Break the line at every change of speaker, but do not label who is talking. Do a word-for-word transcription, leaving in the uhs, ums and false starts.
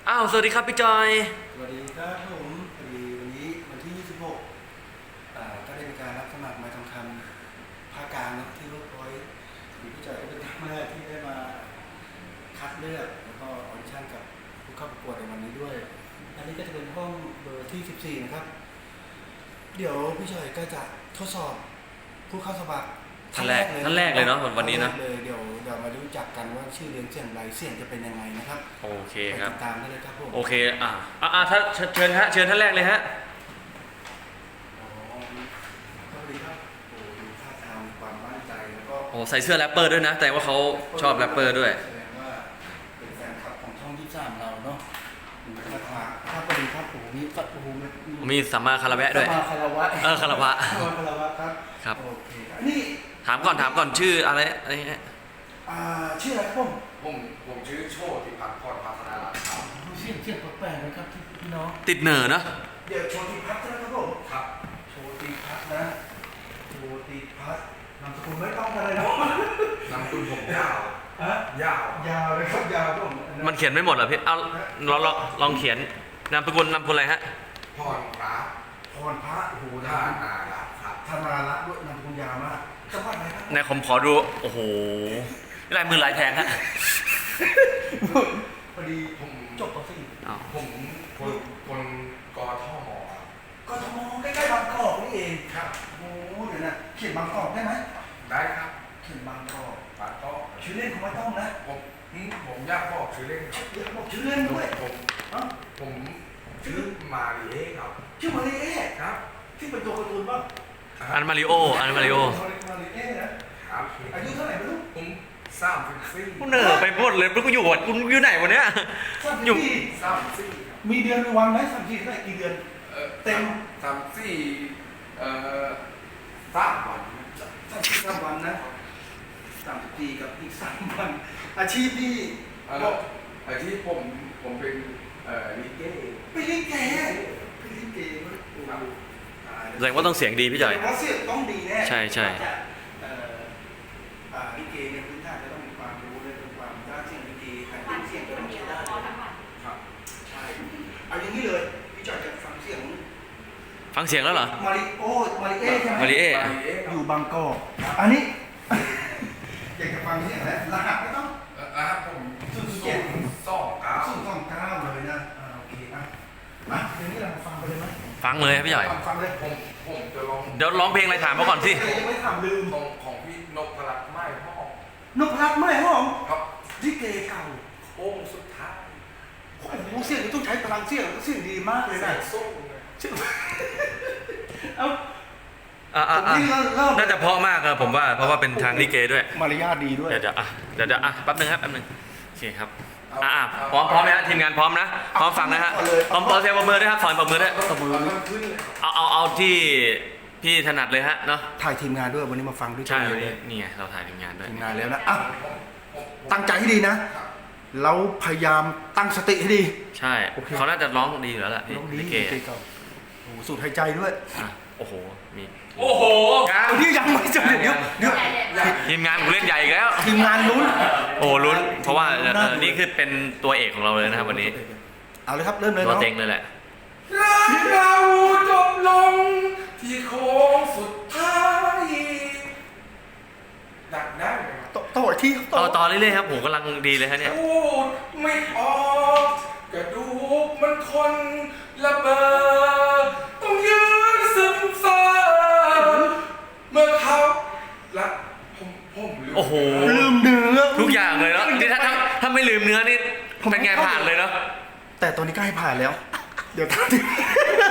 อ้าวสวัสดีครับพี่จอย
สวัสดีครับผมพอดีวันนี้วันที่ยี่สิบหกอ่าก็ได้มีการรับสมัครมาทำคำภาคกลางนะที่เวิร์กพอยต์พี่จอยก็เป็นครั้งแรกที่ได้มาคัดเลือกแล้วก็ออดิชั่นกับผู้เข้าประกวดในวันนี้ด้วยอันนี้ก็จะเป็นห้องเบอร์ที่สิบสี่นะครับเดี๋ยวพี่จอยก็จะทดสอบผู้เข้าสมัคร
ท่านแรกท่านแรกเลยเนาะวันนี้นะ
เลยเดี๋ยวเดี๋ยวมารู้จักกันว่าชื่อเรียนเสียงไรเสียงจะเป็นยังไงนะครับ
โอเคครับ
ติดตามได้เลยครับผม
โอเคอ่าอ่าถ้าเชิญฮะเชิญท่านแรกเลยฮะ
อ๋อสวัสดีครับโอ้ดูท่าทางความมั่นใจแล้วก็
โอ้ใส่เสื้อแรปเปอร์ด้วยนะแต่ว่าเขาชอบแรปเปอร์ด้วย
แสดงว่าเป็นแฟนคลับของช่องยี่สิบสามเราเนาะท่าทางครับสวัสดีครับโอ้มีฟัดโอ้โห
มีสัมมาคาราแวะด้วย
สัมมาคารวะ
เออคารวะ
สัมมาคารวะครับ
ครับ
โอเคนี่
ถามก่อนถามก่อนชื่ออะไรอะไรเงี้ย
อ่าชื่ออะไรครับผม
ผมผมชื่อโชติพัฒน์พรพัฒนารัตน์ครับ
เสียงเสียงแปลกๆนะครับพี่น้อง
ติดเหน่อเนาะ
เดี๋ยวโชติพัฒน์นะครับผม
ครับ
โชติพัฒน์นะโชติพัฒน์นามสกุลไม่ต้องอะไรนะ
นามสกุลผมยาว
ฮะ
ยาวย
าวเลยครับยาวผม
มันเขียนไม่หมดเหรอพี่เอาลองลองลองเขียนนามสกุลนามสกุลอะไรฮะ
พรพระ
พรพระโอ้โห
ธานารัตน์ครับ
ธนารัตน์ด้วยนามสกุลยาวมากจังหวัดไหนครับ
ในผมขอดูโอ้โหลายมือลายแทงฮะ
พอดีผมจบป.สี่
ผมคนคนกทม
กทมใกล้ๆบางกอกนี่เอง
ครับ
โอ้เดี๋ยวนะเขียนบางกอกได้ไหม
ได้ครับ
เขียนบางกอก
บางกอก
ชื่อเล่นของไม่ต้องนะ
ผมผมอยากบอกชื่อเล่น
อยากบอกชื่อเล่นด้วย
ผมผมชื่อมาริเอครับ
ชื่อมาริเอ
ครับ
ที่เป็นตัวการ์ตูนป่ะ
อันมาริโออันมาริโอ
มาริเอนะครับอายุเท่าไหร่ไม่รู้
ผมสามสิบสี่
กูเหนื่อยไปหมดเลยกูอยู่วัดกูอยู่ไหนวันเนี้ย
อยู่
สามสิบสี่
มีเดือนมีวันไหมสามสี่เท่าไหร่กี่เดือนเต็ม
สามสี่เอ่อสามวัน
สามสี่สามวันนะสามสิบสี่กับอีกสามวันอาชีพที่
อาชีพผมผมเป็นเอ่อลิเก
เป็นลิเกเป็นลิเก
แสดงว่าต้องเสียงดีพี่จ่อย
เพราะเสียงต้องดีแน่
ใช่ใช่
ลิเกเนี่ยพื้นฐานจะต้องมีความรู้เลยเป็นความด้านเสียงลิเกการเล่นเสียงก็ต้องใช้ได้ครับใช่เอาอย่างนี้เลยพี่จอยจะฟังเสียง
ฟังเสียงแล้วเหรอ
มาริโอมาริเอใช่ไหม
มาริเอ
อยู่บางกอกอันนี้อยากจะฟังเสียงแล้วรหัสไม่ต้อง
อ่าผม
ศูนย์เจ็ด
สองเก้า
ศูนย์สองเก้าเลยนะอ่าโอเคอ่ะมาเดี๋ยวนี้เราฟังไปเลยไหม
ฟังเลยพี่จ่อย
ฟังเลย
ผมผมจะลอง
เดี๋ยวร้องเพลงอะไรถามมาก่อนสิ
ยังไม่ถามลืม
ของของพี่นพรัตน์ไม้ห้อง
นพรัตน์ไม้ห้อง
ครับ
ลิเกเก่า
โอ้สุดท้าย
โอ้โหเสียงนี้ต้องใช้พลังเสียงเสียงดีมากเลยนะ
สู้
เอ้า
อ่าอ่าน่าจะเพราะมากครับผมว่าเพราะว่าเป็นทางลิเกด้วย
มารยาทดีด้วย
เดี๋ยวจะอ่ะเดี๋ยวจะอ่ะแป๊บนึงครับแป๊บนึงโอเคครับอ่าพร้อมพร้อมไหมฮะทีมงานพร้อมนะพร้อมฟังนะฮะพร้อมเปิดเสียงปรบมือด้วยครับสอนปรบมือด้วยเอาเอาเอาที่พี่ถนัดเลยฮะเนาะ
ถ่ายทีมงานด้วยวันนี้มาฟังด้วย
ใช่วันนี้นี่ไงเราถ่ายทีมงานด้วย
ทีมงานแล้วนะอ่ะตั้งใจให้ดีนะเราพยายามตั้งสติให้ดี
ใช่เขาน่าจะร้องดีอยู่แล้วแหละ
ร้องดีเก๋โอ้สูดหายใจด้วย
โอ้โหมี
โอ้โห
ที่ยังไม่จบเดี๋ยวเดี๋ยว
ทีมงานกูเล่นใหญ่อีกแล้ว
ทีมงานลุ้น
โอ้ลุ้นเพราะว่านี่คือเป็นตัวเอกของเราเลยนะครับวันนี้
เอาเลยครับเริ่มเลย
ตัวเต็งเลยแหละ
เราจบลงที่โค้งสุดท้ายดักได้ไหม
ต่อต่อที่
ต่อต่อเรื่อยๆครับผมกำลังดีเลยฮะเนี่ย
พูดไม่ออกกระดูกมันคนระเบิดต้องยืนซึมซาเมื่อเขาละผมผมลืม
โอ้โห
ลืมเนื้อ
ทุกอย่างเลยเนาะนี่ถ้าถ้าไม่ลืมเนื้อนี่เป็นไงผ่านเลยเนาะ
แต่ตอนนี้ก็ให้ผ่านแล้วเดี๋ยวตอนนี้